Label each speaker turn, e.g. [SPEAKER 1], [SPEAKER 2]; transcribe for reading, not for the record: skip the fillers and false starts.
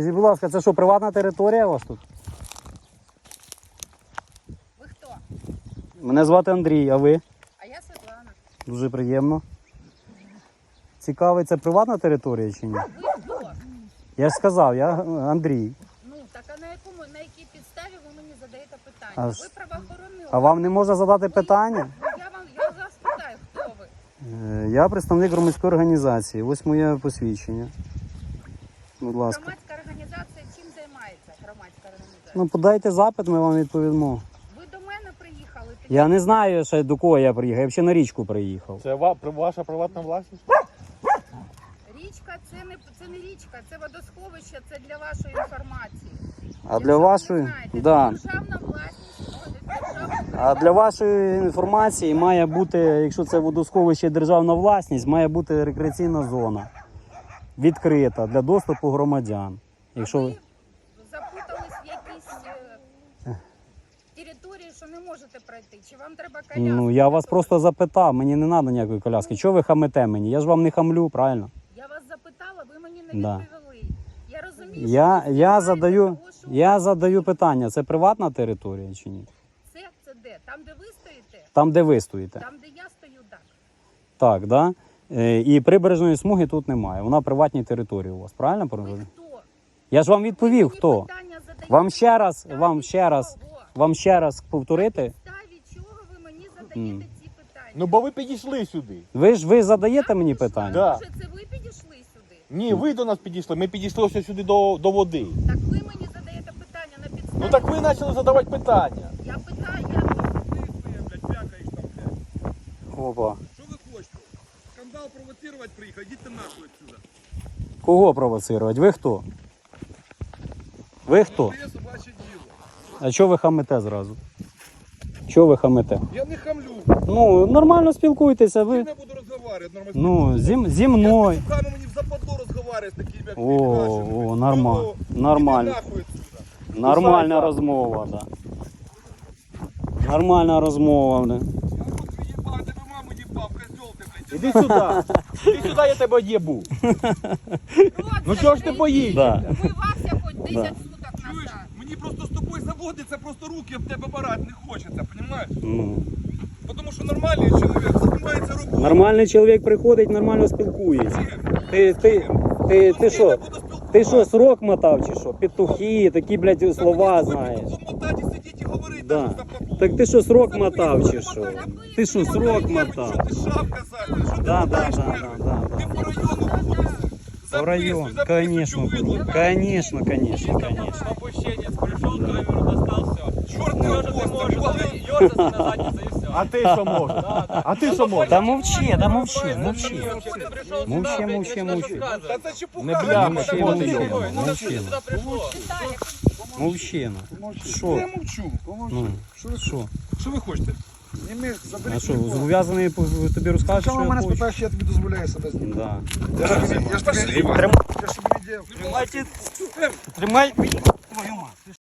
[SPEAKER 1] Скажіть, будь ласка, це що, приватна територія у вас тут?
[SPEAKER 2] Ви хто?
[SPEAKER 1] Мене звати Андрій, а ви?
[SPEAKER 2] А я Світлана.
[SPEAKER 1] Дуже приємно. Цікавий, це приватна територія чи ні?
[SPEAKER 2] Ви хто?
[SPEAKER 1] Я ж сказав, я Андрій.
[SPEAKER 2] Ну, так а на якій підставі ви мені задаєте питання?
[SPEAKER 1] А
[SPEAKER 2] Ви
[SPEAKER 1] ж-
[SPEAKER 2] правоохоронний
[SPEAKER 1] А вам не можна задати питання?
[SPEAKER 2] Я вас питаю, хто ви?
[SPEAKER 1] Я представник громадської організації. Ось моє посвідчення. Будь ласка.
[SPEAKER 2] Громадська організація чим займається? Громадська організація.
[SPEAKER 1] Ну, подайте запит, ми вам відповімо.
[SPEAKER 2] Ви до мене приїхали? Тоді
[SPEAKER 1] Я не знаю ще до кого я приїхав, я взагалі на річку приїхав.
[SPEAKER 3] Це ваша приватна власність?
[SPEAKER 2] річка це не річка, це водосховище, це для вашої інформації.
[SPEAKER 1] А для вашої, да.
[SPEAKER 2] Державна власність,
[SPEAKER 1] А для вашої інформації має бути, якщо це водосховище державна власність, має бути рекреаційна зона відкрита для доступу громадян. Якщо
[SPEAKER 2] ви
[SPEAKER 1] ви...
[SPEAKER 2] запутались в якійсь території, що не можете пройти, чи вам треба коляску?
[SPEAKER 1] Ну, я вас просто запитав, мені не треба ніякої коляски. Чого ви хамите мені? Я ж вам не хамлю, правильно?
[SPEAKER 2] Я вас запитала, ви мені не
[SPEAKER 1] Да.
[SPEAKER 2] відповіли. Я розумію,
[SPEAKER 1] Я
[SPEAKER 2] що ви
[SPEAKER 1] задаю,
[SPEAKER 2] того, що
[SPEAKER 1] я задаю питання, це приватна територія чи ні?
[SPEAKER 2] це де? Там, де ви стоїте?
[SPEAKER 1] Там, де ви стоїте.
[SPEAKER 2] Там, де я стою, так.
[SPEAKER 1] Так, да? І прибережної смуги тут немає. Вона приватній території у вас, правильно?
[SPEAKER 2] Ви хто?
[SPEAKER 1] Я ж вам відповів,
[SPEAKER 2] Ви
[SPEAKER 1] хто.
[SPEAKER 2] мені питання задаєте.
[SPEAKER 1] Вам ще раз,
[SPEAKER 2] На
[SPEAKER 1] вам ще раз повторити.
[SPEAKER 2] підставі чого ви мені задаєте ці питання?
[SPEAKER 3] Ну бо ви підійшли сюди.
[SPEAKER 1] Ви задаєте мені питання?
[SPEAKER 3] Да.
[SPEAKER 2] Може, це ви підійшли сюди?
[SPEAKER 3] Ні, ви до нас підійшли. Ми підійшли ось сюди до води.
[SPEAKER 2] Так ви мені задаєте питання на підставі.
[SPEAKER 3] Ну так ви почали задавати питання.
[SPEAKER 2] Я питаю,
[SPEAKER 1] Опа.
[SPEAKER 4] Что вы хочете? Скандал провоцировать приехать? Идите нахуй отсюда.
[SPEAKER 1] Кого провоцирувати? Ви хто? Ви хто?
[SPEAKER 4] Это собачье дело.
[SPEAKER 1] А чого ви хамите зразу? Чого ви хамите?
[SPEAKER 4] Я не хамлю.
[SPEAKER 1] Ну, нормально спілкуйтеся,
[SPEAKER 4] Я
[SPEAKER 1] ви.
[SPEAKER 4] не буду разговаривать нормально.
[SPEAKER 1] Ну, зі мною.
[SPEAKER 4] Я с мені в западло разговаривать с такими, как
[SPEAKER 1] О, нормально. Нормально.
[SPEAKER 4] Нахуй отсюда.
[SPEAKER 1] Нормальна розмова, да. Нормальна розмова, да.
[SPEAKER 4] Я вот ебал, ты бы маму ебал, козел ты, блядь.
[SPEAKER 3] Іди сюди. Іди сюди, я тебе єбу. Ну чого ж ти боїшся?
[SPEAKER 1] Да.
[SPEAKER 2] вмивався хоч 10
[SPEAKER 1] Да.
[SPEAKER 2] суток
[SPEAKER 4] Чуєш,
[SPEAKER 2] назад.
[SPEAKER 4] мені просто з тобою заводиться, просто руки об тебе барати не хочеться, понимаешь?
[SPEAKER 1] Ну.
[SPEAKER 4] Потому що нормальний чоловік займається роботою.
[SPEAKER 1] Нормальний чоловік приходить, нормально спілкується. Ти що? Ти що, срок мотав чи що? Петухи, такі, блядь, слова знаєш.
[SPEAKER 4] Мотати, сидіть і говорити.
[SPEAKER 1] Да. Так ти що, срок мотав чи що? Ти що, срок мотав?
[SPEAKER 4] Що ти шапка, Саша? Що ти
[SPEAKER 1] Да,
[SPEAKER 4] мотаєш,
[SPEAKER 1] да,
[SPEAKER 4] блядь?
[SPEAKER 1] да, да.
[SPEAKER 4] Ти по району ходиш.
[SPEAKER 1] По району, конечно, конечно, конечно, конечно.
[SPEAKER 5] Опущенец пришел, камеру достал, все.
[SPEAKER 4] Чорт не апостол, вали.
[SPEAKER 5] Ёрзаться на задницу и все.
[SPEAKER 3] А ти що можеш? А ти що можеш?
[SPEAKER 1] Да мовчи, да мовчи, мовчи.
[SPEAKER 5] Ты пришел
[SPEAKER 1] Мовчи,
[SPEAKER 5] сюда, блядь,
[SPEAKER 1] мовчи,
[SPEAKER 5] начинаешь
[SPEAKER 1] мовчи.
[SPEAKER 4] Та
[SPEAKER 5] рассказывать.
[SPEAKER 4] це чепуха.
[SPEAKER 3] Не бля,
[SPEAKER 1] Мовчи,
[SPEAKER 3] що ти
[SPEAKER 1] мовчи,
[SPEAKER 3] йобаний?
[SPEAKER 5] Ну зачем ты
[SPEAKER 1] мовчи.
[SPEAKER 5] сюда пришел?
[SPEAKER 1] Мовчина. Що?
[SPEAKER 4] Я мовчу.
[SPEAKER 1] Ну, що?
[SPEAKER 4] Що ви хочете?
[SPEAKER 6] Зніми, забери
[SPEAKER 1] А що,
[SPEAKER 6] телефон.
[SPEAKER 1] зобов'язаний тобі розказати, що
[SPEAKER 6] Чому
[SPEAKER 1] я
[SPEAKER 6] мене
[SPEAKER 1] хочу?
[SPEAKER 6] спитаєш, я тобі дозволяю себе знімати.
[SPEAKER 1] Да.
[SPEAKER 6] Я ж тобі не діяв.
[SPEAKER 1] Тримай.
[SPEAKER 6] Я ж тобі не діяв.
[SPEAKER 1] Тримай. Твою мать.